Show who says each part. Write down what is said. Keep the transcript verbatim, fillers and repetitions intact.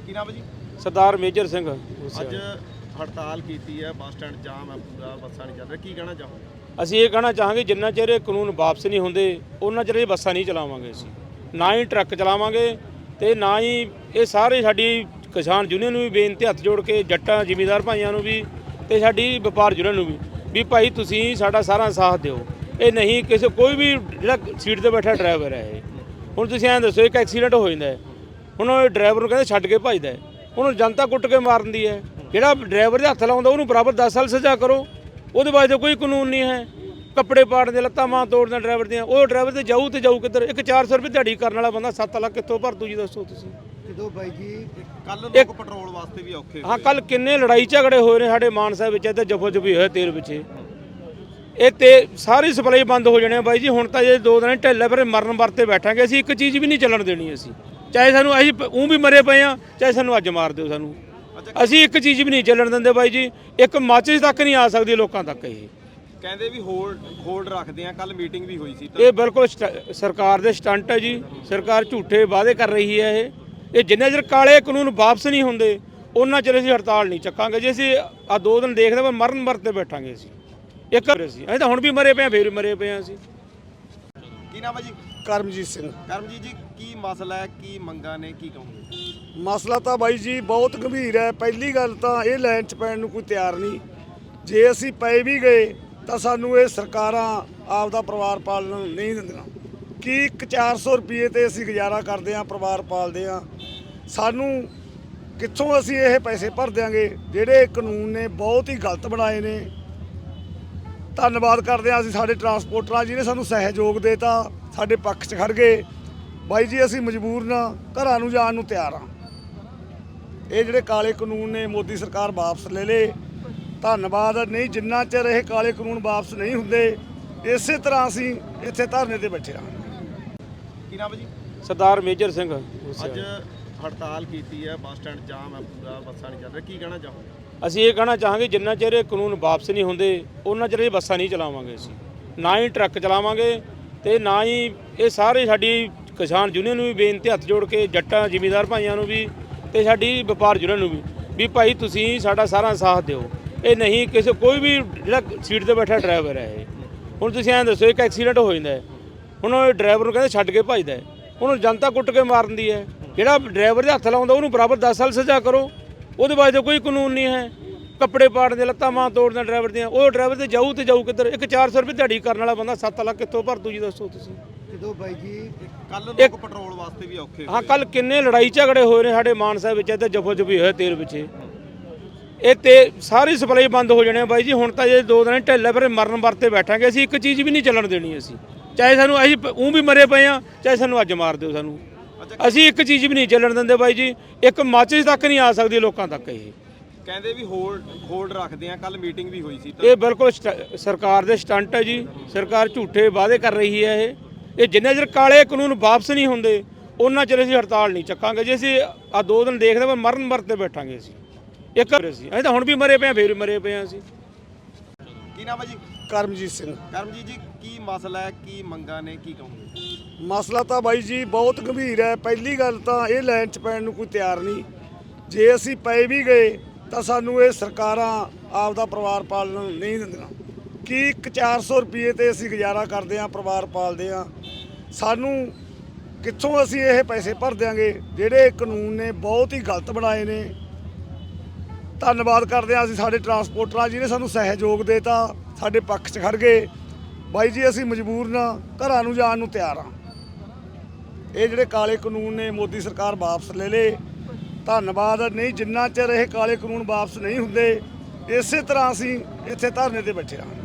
Speaker 1: ਕੀ ਨਾਮ ਹੈ ਜੀ?
Speaker 2: ਸਰਦਾਰ ਮੇਜਰ ਸਿੰਘ।
Speaker 1: ਅੱਜ ਹੜਤਾਲ ਕੀਤੀ ਹੈ, ਬੱਸ ਸਟੈਂਡ ਜਾਮ ਹੈ, ਪੂਰਾ ਬੱਸਾਂ ਨਹੀਂ ਚੱਲ ਰਹੀਆਂ, ਕੀ ਕਹਿਣਾ ਚਾਹੋਗੇ?
Speaker 2: ਅਸੀਂ ਇਹ ਕਹਿਣਾ ਚਾਹਾਂਗੇ ਜਿੰਨਾ ਚਿਰ ਇਹ ਕਾਨੂੰਨ ਵਾਪਸ ਨਹੀਂ ਹੁੰਦੇ ਉਹਨਾਂ ਚਿਰ ਇਹ ਬੱਸਾਂ ਨਹੀਂ ਚਲਾਵਾਂਗੇ। ਅਸੀਂ ਨਾ ਹੀ ਟਰੱਕ ਚਲਾਵਾਂਗੇ ਤੇ ਨਾ ਹੀ ਇਹ ਸਾਰੇ ਸਾਡੀ ਕਿਸਾਨ ਯੂਨੀਅਨ ਨੂੰ ਵੀ ਬੇਨਤੀ ਹੱਥ ਜੋੜ ਕੇ ਜੱਟਾਂ ਜ਼ਿਮੀਂਦਾਰ ਭਾਈਆਂ ਨੂੰ ਵੀ ਤੇ ਸਾਡੀ ਵਪਾਰ ਯੂਨੀਅਨ ਨੂੰ ਵੀ ਵੀ ਭਾਈ ਤੁਸੀਂ ਸਾਡਾ ਸਾਰਾ ਸਾਥ ਦਿਓ। ਇਹ ਨਹੀਂ ਕਿਸੇ ਕੋਈ ਵੀ ਜਿਹੜਾ ਸੀਟ ਤੇ ਬੈਠਾ ਡਰਾਈਵਰ ਹੈ, ਇਹ ਹੁਣ ਤੁਸੀਂ ਐਂ ਦੱਸੋ ਇੱਕ ਐਕਸੀਡੈਂਟ ਹੋ ਜਾਂਦਾ ਹੁਣ ਉਹ ਡਰਾਈਵਰ ਨੂੰ ਕਹਿੰਦੇ ਛੱਡ ਕੇ ਭੱਜਦਾ, ਉਹਨੂੰ ਜਨਤਾ ਕੁੱਟ ਕੇ ਮਾਰ ਦਿੰਦੀ ਹੈ। ਜਿਹੜਾ ਡਰਾਈਵਰ ਦੇ ਹੱਥ ਲਾਉਂਦਾ ਉਹਨੂੰ ਬਰਾਬਰ ਦਸ ਸਾਲ ਸਜ਼ਾ ਕਰੋ, ਉਹਦੇ ਬਾਅਦ ਤਾਂ ਕੋਈ ਕਾਨੂੰਨ ਨਹੀਂ ਹੈ। ਕੱਪੜੇ ਪਾੜਦੇ, ਲੱਤਾਂ ਮਾਂ ਤੋੜਦੇ ਡਰਾਈਵਰ ਦੀਆਂ, ਉਹ ਡਰਾਈਵਰ ਤੇ ਜਾਊ ਤੇ ਜਾਊ ਕਿੱਧਰ? ਇੱਕ ਚਾਰ ਸੌ ਰੁਪਏ ਦਿਹਾੜੀ ਕਰਨ ਵਾਲਾ ਬੰਦਾ ਸੱਤ ਲੱਖ ਕਿੱਥੋਂ ਭਰ ਦੂ ਜੀ? ਦੱਸੋ ਤੁਸੀਂ।
Speaker 1: ਜਦੋਂ ਬਾਈ ਜੀ ਕੱਲ ਲੋਕ ਪੈਟਰੋਲ ਵਾਸਤੇ ਵੀ ਔਖੇ
Speaker 2: ਹਾਂ, ਕੱਲ ਕਿੰਨੇ ਲੜਾਈ ਝਗੜੇ ਹੋਏ ਨੇ ਸਾਡੇ ਮਾਨਸਾ ਵਿੱਚ, ਇੱਥੇ ਜਫੋ ਜਫੀ ਹੋਇਆ ਤੇਲ ਪਿੱਛੇ। ਇਹ ਤੇ ਸਾਰੀ ਸਪਲਾਈ ਬੰਦ ਹੋ ਜਾਣੀ ਬਾਈ ਜੀ। ਹੁਣ ਤਾਂ ਜੇ ਦੋ ਦਿਨ ਢਿੱਲੇ ਫਿਰ ਮਰਨ ਵਰਤੇ ਬੈਠਾਂਗੇ। ਅਸੀਂ ਇੱਕ ਚੀਜ਼ ਵੀ ਨਹੀਂ ਚੱਲਣ ਦੇਣੀ। ਅਸੀਂ ਚਾਹੇ ਸਾਨੂੰ ਅਸੀਂ ਉਹ ਵੀ ਮਰੇ ਪਏ ਆ, ਚਾਹੇ ਸਾਨੂੰ ਅੱਜ ਮਾਰ ਦਿਓ ਸਾਨੂੰ, ਅਸੀਂ ਇੱਕ ਚੀਜ਼ ਵੀ ਨਹੀਂ ਚੱਲਣ ਦਿੰਦੇ ਬਾਈ ਜੀ। ਇੱਕ ਮਾਚਿਸ ਤੱਕ ਨਹੀਂ ਆ ਸਕਦੀ ਲੋਕਾਂ ਤੱਕ। ਇਹ
Speaker 1: ਕਹਿੰਦੇ ਵੀ ਹੋਲਡ ਹੋਲਡ ਰੱਖਦੇ ਆ, ਕੱਲ ਮੀਟਿੰਗ ਵੀ ਹੋਈ ਸੀ।
Speaker 2: ਇਹ ਬਿਲਕੁਲ ਸਰਕਾਰ ਦੇ ਸਟੰਟ ਹੈ ਜੀ। ਸਰਕਾਰ ਝੂਠੇ ਵਾਅਦੇ ਕਰ ਰਹੀ ਹੈ। ਇਹ ਇਹ ਜਿੰਨੇ ਚਿਰ ਕਾਲੇ ਕਾਨੂੰਨ ਵਾਪਸ ਨਹੀਂ ਹੁੰਦੇ ਉਹਨਾਂ ਚਿਰ ਅਸੀਂ ਹੜਤਾਲ ਨਹੀਂ ਚੱਕਾਂਗੇ। ਜੇ ਅਸੀਂ ਆ ਦੋ ਦਿਨ ਦੇਖਦੇ ਪਰ ਮਰਨ ਮਰਤੇ ਬੈਠਾਂਗੇ। ਅਸੀਂ ਇੱਕ ਅਸੀਂ ਅਸੀਂ ਤਾਂ ਹੁਣ ਵੀ ਮਰੇ ਪਏ ਆ, ਫੇਰ ਵੀ ਮਰੇ ਪਏ ਆ ਅਸੀਂ।
Speaker 1: ਕੀ ਨਾਮ ਹੈ ਜੀ?
Speaker 3: ਕਰਮਜੀਤ ਸਿੰਘ।
Speaker 1: ਕਰਮਜੀਤ ਜੀ, ਕੀ ਮਸਲਾ ਹੈ, ਕੀ ਮੰਗਾਂ ਨੇ, ਕੀ ਕਹੋਗੇ?
Speaker 3: ਮਸਲਾ ਤਾਂ ਬਾਈ ਜੀ ਬਹੁਤ ਗੰਭੀਰ ਹੈ। ਪਹਿਲੀ ਗੱਲ ਤਾਂ ਇਹ ਲਾਈਨ 'ਚ ਪੈਣ ਨੂੰ ਕੋਈ ਤਿਆਰ ਨਹੀਂ। ਜੇ ਅਸੀਂ ਪਏ ਵੀ ਗਏ ਤਾਂ ਸਾਨੂੰ ਇਹ ਸਰਕਾਰਾਂ ਆਪਦਾ ਪਰਿਵਾਰ ਪਾਲਣ ਨਹੀਂ ਦਿੰਦੀਆਂ। ਕੀ ਇੱਕ ਚਾਰ ਸੌ ਰੁਪਏ ਤੇ ਅਸੀਂ ਗੁਜ਼ਾਰਾ ਕਰਦੇ ਹਾਂ, ਪਰਿਵਾਰ ਪਾਲਦੇ ਹਾਂ। ਸਾਨੂੰ ਕਿੱਥੋਂ ਅਸੀਂ ਇਹ ਪੈਸੇ ਭਰ ਦਿਆਂਗੇ? ਜਿਹੜੇ ਕਾਨੂੰਨ ਨੇ ਬਹੁਤ ਹੀ ਗਲਤ ਬਣਾਏ ਨੇ। ਧੰਨਵਾਦ ਕਰਦੇ ਹਾਂ ਅਸੀਂ ਸਾਡੇ ਟਰਾਂਸਪੋਰਟਰਾਂ ਜਿਹਨੇ ਸਾਨੂੰ ਸਹਿਯੋਗ ਦੇਤਾ, ਸਾਡੇ ਪੱਖ 'ਚ ਖੜ ਗਏ। ਬਾਈ ਜੀ ਅਸੀਂ ਮਜਬੂਰ ਨਾ ਘਰਾਂ ਨੂੰ ਜਾਣ ਨੂੰ ਤਿਆਰ ਹਾਂ। ਇਹ ਜਿਹੜੇ ਕਾਲੇ ਕਾਨੂੰਨ ਨੇ ਮੋਦੀ ਸਰਕਾਰ ਵਾਪਸ ਲੈ ਲੇ, ਧੰਨਵਾਦ। ਨਹੀਂ ਜਿੰਨਾ ਚਿਰ ਇਹ ਕਾਲੇ ਕਾਨੂੰਨ ਵਾਪਸ ਨਹੀਂ ਹੁੰਦੇ ਇਸੇ ਤਰ੍ਹਾਂ ਅਸੀਂ ਇੱਥੇ ਧਰਨੇ ਤੇ ਬੈਠੇ ਹਾਂ।
Speaker 1: ਕੀ ਨਾਮ ਹੈ ਜੀ?
Speaker 2: ਸਰਦਾਰ ਮੇਜਰ ਸਿੰਘ।
Speaker 1: ਅੱਜ ਹੜਤਾਲ ਕੀਤੀ ਹੈ, ਬੱਸ ਸਟੈਂਡ ਜਾਮ ਹੈ, ਪੂਰਾ ਬੱਸਾਂ ਨਹੀਂ ਚੱਲ ਰਹੀਆਂ, ਕੀ ਕਹਿਣਾ ਚਾਹੋਗੇ?
Speaker 2: ਅਸੀਂ ਇਹ ਕਹਿਣਾ ਚਾਹਾਂਗੇ ਜਿੰਨਾ ਚਿਰ ਇਹ ਕਾਨੂੰਨ ਵਾਪਸ ਨਹੀਂ ਹੁੰਦੇ ਉਹਨਾਂ ਚਿਰ ਇਹ ਬੱਸਾਂ ਨਹੀਂ ਚਲਾਵਾਂਗੇ। ਅਸੀਂ ਨਾ ਹੀ ਟਰੱਕ ਚਲਾਵਾਂਗੇ ਤੇ ਨਾ ਹੀ ਇਹ ਸਾਰੇ ਸਾਡੀ ਕਿਸਾਨ ਯੂਨੀਅਨ ਨੂੰ ਵੀ ਬੇਨਤੀ ਹੱਥ ਜੋੜ ਕੇ ਜੱਟਾਂ ਜ਼ਿਮੀਂਦਾਰ ਭਾਈਆਂ ਨੂੰ ਵੀ ਤੇ ਸਾਡੀ ਵਪਾਰ ਯੂਨੀਅਨ ਨੂੰ ਵੀ ਵੀ ਭਾਈ ਤੁਸੀਂ ਸਾਡਾ ਸਾਰਾ ਸਾਥ ਦਿਓ। ਇਹ ਨਹੀਂ ਕਿਸੇ ਕੋਈ ਵੀ ਜਿਹੜਾ ਸੀਟ ਤੇ ਬੈਠਾ ਡਰਾਈਵਰ ਹੈ, ਇਹ ਹੁਣ ਤੁਸੀਂ ਐਂ ਦੱਸੋ ਇੱਕ ਐਕਸੀਡੈਂਟ ਹੋ ਜਾਂਦਾ ਹੁਣ ਉਹ ਡਰਾਈਵਰ ਨੂੰ ਕਹਿੰਦੇ ਛੱਡ ਕੇ ਭੱਜਦਾ, ਉਹਨੂੰ ਜਨਤਾ ਕੁੱਟ ਕੇ ਮਾਰ ਦਿੰਦੀ ਹੈ। ਜਿਹੜਾ ਡਰਾਈਵਰ ਦੇ ਹੱਥ ਲਾਉਂਦਾ ਉਹਨੂੰ ਬਰਾਬਰ ਦਸ ਸਾਲ ਸਜ਼ਾ ਕਰੋ, ਉਹਦੇ ਬਾਅਦ ਤਾਂ ਕੋਈ ਕਾਨੂੰਨ ਨਹੀਂ ਹੈ। ਕੱਪੜੇ ਪਾੜਦੇ, ਲੱਤਾਂ ਮਾਂ ਤੋੜਦੇ ਡਰਾਈਵਰ ਦੀਆਂ, ਉਹ ਡਰਾਈਵਰ ਤੇ ਜਾਊ ਤੇ ਜਾਊ ਕਿੱਧਰ? ਇੱਕ ਚਾਰ ਸੌ ਰੁਪਏ ਦਿਹਾੜੀ ਕਰਨ ਵਾਲਾ ਬੰਦਾ ਸੱਤ ਲੱਖ ਕਿੱਥੋਂ ਭਰ ਦੂ ਜੀ? ਦੱਸੋ ਤੁਸੀਂ।
Speaker 1: ਜਦੋਂ ਬਾਈ ਜੀ ਕੱਲ ਲੋਕ ਪੈਟਰੋਲ ਵਾਸਤੇ ਵੀ ਔਖੇ
Speaker 2: ਹਾਂ, ਕੱਲ ਕਿੰਨੇ ਲੜਾਈ ਝਗੜੇ ਹੋਏ ਨੇ ਸਾਡੇ ਮਾਨਸਾ ਵਿੱਚ, ਇੱਥੇ ਜਫੋ ਜਫੀ ਹੋਇਆ ਤੇਲ ਪਿੱਛੇ। ਇਹ ਤੇ ਸਾਰੀ ਸਪਲਾਈ ਬੰਦ ਹੋ ਜਾਣੀ ਬਾਈ ਜੀ। ਹੁਣ ਤਾਂ ਜੇ ਦੋ ਦਿਨ ਢਿੱਲੇ ਫਿਰ ਮਰਨ ਵਰਤੇ ਬੈਠਾਂਗੇ। ਅਸੀਂ ਇੱਕ ਚੀਜ਼ ਵੀ ਨਹੀਂ ਚੱਲਣ ਦੇਣੀ। ਅਸੀਂ ਚਾਹੇ ਸਾਨੂੰ ਅਸੀਂ ਉਹ ਵੀ ਮਰੇ ਪਏ ਆ, ਚਾਹੇ ਸਾਨੂੰ ਅੱਜ ਮਾਰ ਦਿਓ ਸਾਨੂੰ, ਅਸੀਂ ਇੱਕ ਚੀਜ਼ ਵੀ ਨਹੀਂ ਚੱਲਣ ਦਿੰਦੇ ਬਾਈ ਜੀ। ਇੱਕ ਮਾਚਿਸ ਤੱਕ ਨਹੀਂ ਆ ਸਕਦੀ ਲੋਕਾਂ ਤੱਕ। ਇਹ
Speaker 1: ਕਹਿੰਦੇ ਵੀ ਹੋਲਡ ਹੋਲਡ ਰੱਖਦੇ ਆ, ਕੱਲ ਮੀਟਿੰਗ ਵੀ ਹੋਈ ਸੀ।
Speaker 2: ਇਹ ਬਿਲਕੁਲ ਸਰਕਾਰ ਦੇ ਸਟੰਟ ਹੈ ਜੀ। ਸਰਕਾਰ ਝੂਠੇ ਵਾਅਦੇ ਕਰ ਰਹੀ ਹੈ। ਇਹ ਇਹ ਜਿੰਨੇ ਚਿਰ ਕਾਲੇ ਕਾਨੂੰਨ ਵਾਪਸ ਨਹੀਂ ਹੁੰਦੇ ਉਹਨਾਂ ਚਿਰ ਅਸੀਂ ਹੜਤਾਲ ਨਹੀਂ ਚੱਕਾਂਗੇ। ਜੇ ਅਸੀਂ ਆ ਦੋ ਦਿਨ ਦੇਖਦੇ ਪਰ ਮਰਨ ਮਰਤੇ ਬੈਠਾਂਗੇ। ਅਸੀਂ ਇੱਕ ਅਸੀਂ ਅਸੀਂ ਤਾਂ ਹੁਣ ਵੀ ਮਰੇ ਪਏ ਆ, ਫੇਰ ਵੀ ਮਰੇ ਪਏ ਆ ਅਸੀਂ।
Speaker 1: ਕੀ ਨਾਮ ਹੈ ਜੀ?
Speaker 3: ਕਰਮਜੀਤ ਸਿੰਘ।
Speaker 1: ਕਰਮਜੀਤ ਜੀ, ਕੀ ਮਸਲਾ ਹੈ, ਕੀ ਮੰਗਾਂ ਨੇ, ਕੀ ਕਹੋਗੇ?
Speaker 3: ਮਸਲਾ ਤਾਂ ਬਾਈ ਜੀ ਬਹੁਤ ਗੰਭੀਰ ਹੈ। ਪਹਿਲੀ ਗੱਲ ਤਾਂ ਇਹ ਲਾਈਨ 'ਚ ਪੈਣ ਨੂੰ ਕੋਈ ਤਿਆਰ ਨਹੀਂ। ਜੇ ਅਸੀਂ ਪਏ ਵੀ ਗਏ ਤਾਂ ਸਾਨੂੰ ਇਹ ਸਰਕਾਰਾਂ ਆਪਦਾ ਪਰਿਵਾਰ ਪਾਲਣ ਨਹੀਂ ਦਿੰਦੀਆਂ। ਕੀ ਇੱਕ ਚਾਰ ਸੌ ਰੁਪਏ ਤੇ ਅਸੀਂ ਗੁਜ਼ਾਰਾ ਕਰਦੇ ਹਾਂ, ਪਰਿਵਾਰ ਪਾਲਦੇ ਹਾਂ। ਸਾਨੂੰ ਕਿੱਥੋਂ ਅਸੀਂ ਇਹ ਪੈਸੇ ਭਰ ਦਿਆਂਗੇ? ਜਿਹੜੇ ਕਾਨੂੰਨ ਨੇ ਬਹੁਤ ਹੀ ਗਲਤ ਬਣਾਏ ਨੇ। ਧੰਨਵਾਦ ਕਰਦੇ ਹਾਂ ਅਸੀਂ ਸਾਡੇ ਟਰਾਂਸਪੋਰਟਰਾਂ ਜਿਹਨੇ ਸਾਨੂੰ ਸਹਿਯੋਗ ਦੇਤਾ, ਸਾਡੇ ਪੱਖ 'ਚ ਖੜ ਗਏ। ਬਾਈ ਜੀ ਅਸੀਂ ਮਜਬੂਰ ਨਾ ਘਰਾਂ ਨੂੰ ਜਾਣ ਨੂੰ ਤਿਆਰ ਹਾਂ। ਇਹ ਜਿਹੜੇ ਕਾਲੇ ਕਾਨੂੰਨ ਨੇ ਮੋਦੀ ਸਰਕਾਰ ਵਾਪਸ ਲੈ ਲੇ, ਧੰਨਵਾਦ। ਨਹੀਂ ਜਿੰਨਾ ਚਿਰ ਇਹ ਕਾਲੇ ਕਾਨੂੰਨ ਵਾਪਸ ਨਹੀਂ ਹੁੰਦੇ ਇਸੇ ਤਰ੍ਹਾਂ ਅਸੀਂ ਇੱਥੇ ਧਰਨੇ ਤੇ ਬੈਠੇ ਹਾਂ।